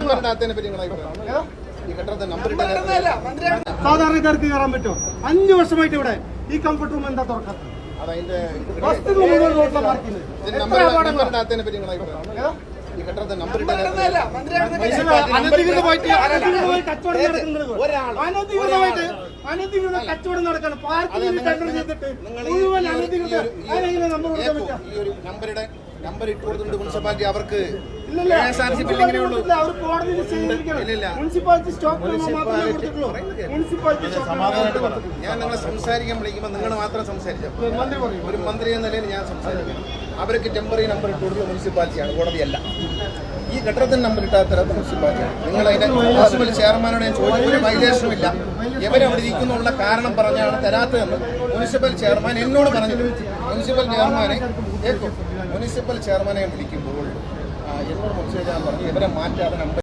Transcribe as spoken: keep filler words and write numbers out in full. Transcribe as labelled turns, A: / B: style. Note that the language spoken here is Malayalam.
A: സാധാരണക്കാർക്ക് കയറാൻ പറ്റുമോ? അഞ്ചു വർഷമായിട്ട് ഇവിടെ ഈ കംഫർട്ട് റൂം എന്താ തുറക്കാത്തത്? അനധികൃതമായിട്ട് അനധികൃത കച്ചവടം നടക്കാണ്. പാർക്കിംഗ് ടെൻഡർ ചെയ്തിട്ട് മുഴുവൻ അനധികൃത
B: നമ്പറുടെ നമ്പർ ഇട്ട് കൊടുത്തിട്ടുണ്ട് മുനിസിപ്പാലിറ്റി. അവർക്ക് ഞാൻ നിങ്ങളെ സംസാരിക്കാൻ വിളിക്കുമ്പോൾ നിങ്ങൾ മാത്രം സംസാരിച്ചു. ഒരു മന്ത്രി എന്ന നിലയിൽ ഞാൻ സംസാരിക്കും. അവർക്ക് ടെമ്പററി നമ്പർ ഇട്ട് കൊടുക്കുന്ന മുനിസിപ്പാലിറ്റിയാണ്, കോടതിയല്ല. ഈ കെട്ടിടത്തിന് നമ്പർ ഇട്ടാത്ത മുനിസിപ്പാലിറ്റിയാണ്. നിങ്ങൾ അതിന്റെ മുനിസിപ്പൽ ചെയർമാനോട് ഞാൻ ചോദിച്ചു, ഒരു വൈലേഷനും ഇല്ല, ഇവരവിടെ ഇരിക്കുന്നുള്ള കാരണം പറഞ്ഞാണ് തരാത്തതെന്ന് മുനിസിപ്പൽ ചെയർമാൻ എന്നോട് പറഞ്ഞത്. മുനിസിപ്പൽ ചെയർമാനെ മുനിസിപ്പൽ ചെയർമാനെ വിളിക്കുമ്പോൾ എന്നോട് മുനിസിപ്പൽ ചെയർമാൻ പറഞ്ഞു ഇവരെ മാറ്റാതെ നമ്പർ